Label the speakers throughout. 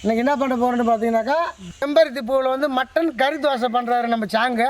Speaker 1: இன்றைக்கி என்ன பண்ண போகிறோன்னு பார்த்தீங்கன்னாக்கா செம்பருத்தி பூவில் வந்து மட்டன் கறி தோசை பண்ணுறாரு நம்ம சாங்க.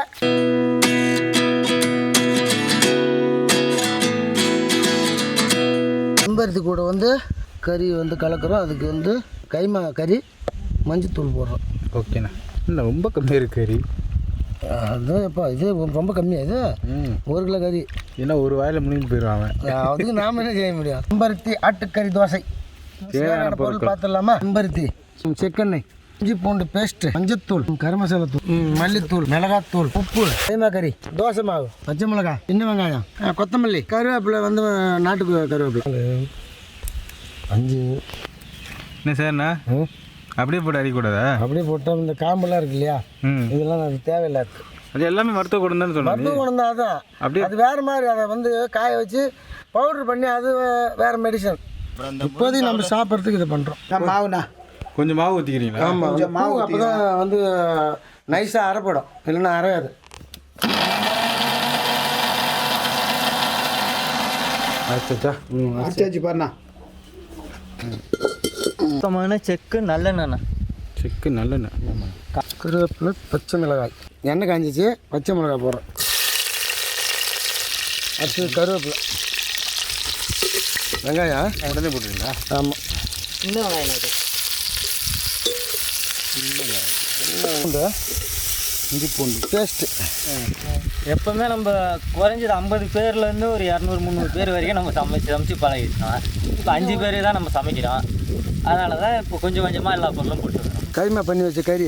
Speaker 1: செம்பருத்தி கூட வந்து கறி வந்து கலக்கிறோம். அதுக்கு வந்து கைமா கறி மஞ்சத்தூள் போடுறோம்.
Speaker 2: ஓகேண்ணா. இல்லை ரொம்ப கம்மியாக இருக்குது கறி.
Speaker 1: அதுதான் எப்போ இது ரொம்ப கம்மியாக இது 1 கிலோ கறி.
Speaker 2: ஏன்னா ஒரு வாயில் முனிந்து போயிடுவாங்க.
Speaker 1: அதுக்கு நாம் என்ன செய்ய முடியும். செம்பருத்தி ஆட்டுக்கறி தோசை தேவையான பொருள் பார்த்துடலாமா. செம்பருத்தி, செக்கெண்ணெய், இஞ்சி பூண்டு பேஸ்ட்டு, மஞ்சத்தூள், கரம் மசாலா தூள், மல்லித்தூள், மிளகாத்தூள், உப்பு, கைமா கறி, தோசை மாவு, பச்சை மிளகாய், சின்ன வெங்காயம், கொத்தமல்லி, கருவேப்பிலை வந்து நாட்டுக்கு கருவேப்பிலை 5.
Speaker 2: என்ன சார்ண்ணா அப்படியே போட்டு அடிக்கூடாதா?
Speaker 1: அப்படியே போட்டால் இந்த காம்பெல்லாம் இருக்கு இல்லையா, இதெல்லாம் அது தேவையில்லை.
Speaker 2: அது எல்லாமே மருத்துவ குணம் தான் சொல்லுவாங்க.
Speaker 1: மருத்துவ குணம் தான். அதான் அப்படியே அது வேறு மாதிரி. அதை வந்து காய வச்சு பவுட்ரு பண்ணி அது வேறு மெடிசன். இப்போதைக்கு நம்ம சாப்பிட்றதுக்கு இதை பண்ணுறோம். மாவுண்ணா
Speaker 2: கொஞ்சம் மாவு ஊற்றிக்கிறீங்களா?
Speaker 1: ஆமாம், கொஞ்சம் மாவு. அப்போ தான் வந்து நைஸாக அரைப்படும், இல்லைன்னா அரையாது. அரைச்சாச்சு பாருண்ணா.
Speaker 3: சுத்தமான செக்கு நல்லெண்ணெண்ணா.
Speaker 2: செக்கு நல்லெண்ணெய்.
Speaker 1: கருவேப்பிலை, பச்சை மிளகாய், எண்ணெய் காஞ்சிச்சு, பச்சை மிளகாய் போடுறோம். அடுத்து கருவேப்பிலை, வெங்காயம்
Speaker 2: உடனே போட்டுருங்களா?
Speaker 1: ஆமாம்.
Speaker 3: இன்னும் வெங்காயம்,
Speaker 1: பூண்டு, இஞ்சி பூண்டு பேஸ்ட்டு.
Speaker 3: எப்போவுமே நம்ம குறைஞ்சது 50 பேர்லேருந்து ஒரு 200-300 பேர் வரைக்கும் நம்ம சமைச்சு பழகிட்டோம். இப்போ 5 பேர் தான் நம்ம சமைக்கிறோம். அதனால தான் இப்போ கொஞ்சம் கொஞ்சமாக எல்லா பொருளும் போட்டுருக்கோம்.
Speaker 1: கைமா பண்ணி வச்ச கறி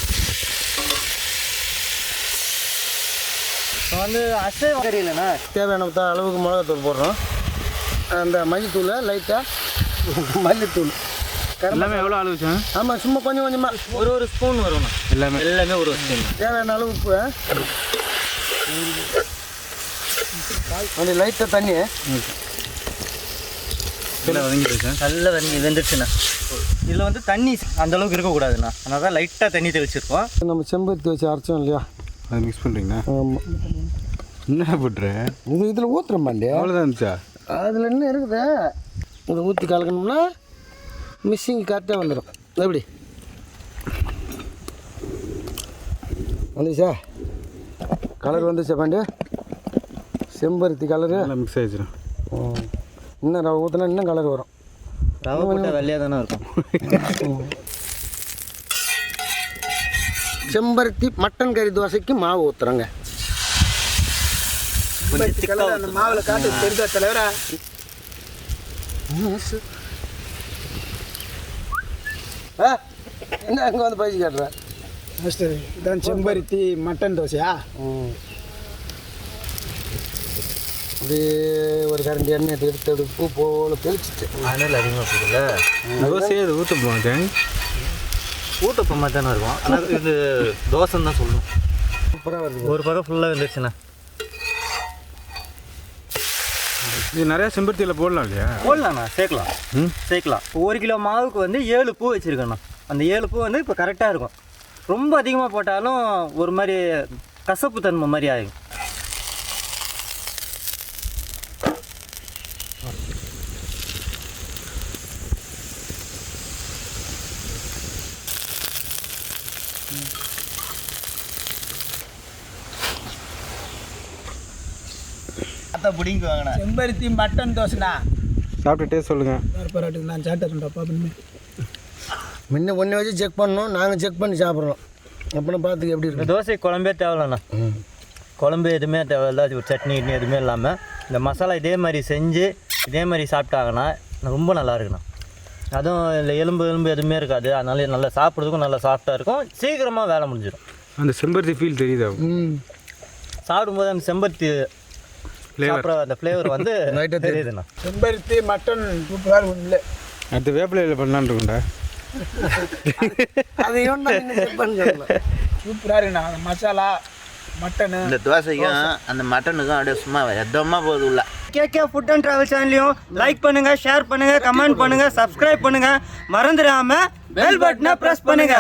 Speaker 3: இப்போ வந்து அசைவ கறி இல்லைண்ணா,
Speaker 1: தேவையான அளவுக்கு மிளகாத்தூள் போடுறோம். அந்த மல்லித்தூள் லைட்டாக, மல்லித்தூள்
Speaker 2: எல்லாமே எவ்வளோ அளவு சார்?
Speaker 1: ஆமாம், சும்மா கொஞ்சம் கொஞ்சமாக
Speaker 3: ஒரு ஸ்பூன் வரும்ண்ணா. எல்லாமே ஒரு ஸ்பூன்.
Speaker 1: தேவையான அளவு உப்பு, கொஞ்சம் லைட்டாக தண்ணி.
Speaker 2: நல்லா வதங்கிடுச்சு சார்.
Speaker 3: நல்லா வெந்துடுச்சுண்ணா. இதில் வந்து தண்ணி அந்தளவுக்கு இருக்கக்கூடாதுண்ணா, அதனால தான் லைட்டாக தண்ணி தெளிச்சிருக்கோம்.
Speaker 1: நம்ம செம்பருத்தி வச்சு அரைச்சோம் இல்லையா,
Speaker 2: அதை மிக்ஸ் பண்ணுறீங்களா?
Speaker 1: ஆமாம்.
Speaker 2: என்ன போட்டுறேன்
Speaker 1: இதில் ஊற்றுறோம் பாண்டியா.
Speaker 2: அவ்வளோதான் இருந்துச்சா?
Speaker 1: அதில் என்ன இருக்குது, இதை ஊற்றி கலக்கணும்னா மிக்சிங் கரெக்டாக வந்துடும். எப்படி வந்துச்சா? கலர் வந்துச்சா பாண்டியா? செம்பருத்தி கலரு
Speaker 2: நல்லா மிக்ஸ் ஆகிடுச்சிடும்.
Speaker 1: இன்னும் ரவை ஊற்றினா இன்னும் கலர் வரும்.
Speaker 3: ரவை போட்டால் வெள்ளையாக தானே இருக்கும்.
Speaker 1: செம்பருத்தி மட்டன் கறி தோசைக்கு மாவு ஊற்றுறோங்க.
Speaker 3: அந்த மாவில் காட்டு தெரிஞ்ச தலைவரா.
Speaker 1: என்ன அங்கே வந்து பயிற்சி காட்டுறேன்.
Speaker 4: இதான் செம்பருத்தி மட்டன் தோசையா?
Speaker 1: அப்படியே ஒரு கரண்டி எண்ணெய் எடுத்து பூ போல் தெளிச்சிட்டு
Speaker 3: மணல் அதிகமாக போகுதுல்ல,
Speaker 2: தோசையே அது ஊற்ற போவாங்க.
Speaker 3: ஊட்டப்போ மாதிரி தானே இருக்கும். ஆனால் இது தோசைன்னு தான் சொல்லணும்.
Speaker 1: சூப்பராக வருது.
Speaker 3: ஒரு பக்கம் ஃபுல்லாக வந்துருச்சுண்ணா.
Speaker 2: இது நிறையா செம்பருத்தியில் போடலாம் இல்லையா?
Speaker 3: போடலாண்ணா, சேர்க்கலாம். 1 கிலோ மாவுக்கு வந்து 7 பூ வச்சுருக்கேண்ணா. அந்த 7 பூ வந்து இப்போ கரெக்டாக இருக்கும். ரொம்ப அதிகமாக போட்டாலும் ஒரு மாதிரி கசப்பு தன்மை மாதிரி ஆகும். பிடிங்க வாங்கண்ணா.
Speaker 4: செம்பருத்தி மட்டன் தோசைண்ணா.
Speaker 2: சாப்பிட்டு டேஸ்ட் சொல்லுங்கள்.
Speaker 4: பரவாயில்ல, நான் சாப்பிட்டேன்டா பாப்பா.
Speaker 1: முன்ன ஒன்று வச்சு செக் பண்ணோம், நாங்கள் செக் பண்ணி சாப்பிட்றோம். அப்புறம் பார்த்துக்க எப்படி
Speaker 3: இந்த
Speaker 1: இருக்கு.
Speaker 3: தோசை குழம்பே தேவையில்லண்ணா. குழம்பு எதுவுமே தேவையில்ல. ஒரு சட்னி கிட்னி எதுவுமே இல்லாமல் இந்த மசாலா இதே மாதிரி செஞ்சு இதே மாதிரி சாப்பிட்டாங்கன்னா ரொம்ப நல்லா இருக்குண்ணா. அதுவும் இல்லை எலும்பு எதுவுமே இருக்காது. அதனால நல்லா சாப்பிட்றதுக்கும் நல்லா சாஃப்டாக இருக்கும். சீக்கிரமாக வேலை முடிஞ்சிடும்.
Speaker 2: அந்த செம்பருத்தி ஃபீல் தெரியுதா?
Speaker 3: சாப்பிடும்போது அந்த செம்பருத்தி சாப்பிட்ற அந்த ஃப்ளேவர் வந்து தெரியுதுண்ணா.
Speaker 4: செம்பருத்தி மட்டன் சூப்பராக இல்லை.
Speaker 2: அடுத்து வேப்பிலையில் பண்ணலான்னு இருக்குண்டா.
Speaker 1: அதையும் செக் பண்ணி சொல்லலாம்.
Speaker 4: சூப்பராக இருக்குண்ணா. அந்த மசாலா மட்டனு
Speaker 5: இந்த தோசைக்கும் அந்த மட்டனுக்கும் அப்படியே சும்மா எதமாக போகுது உள்ள.
Speaker 3: கேகே ஃபுட் அண்ட் ட்ராவல் சேனலையும் லைக் பண்ணுங்கள், ஷேர் பண்ணுங்கள், கமெண்ட் பண்ணுங்கள், சப்ஸ்கிரைப் பண்ணுங்கள். மறந்துடாமல் பெல் பட்டனை ப்ரெஸ் பண்ணுங்கள்.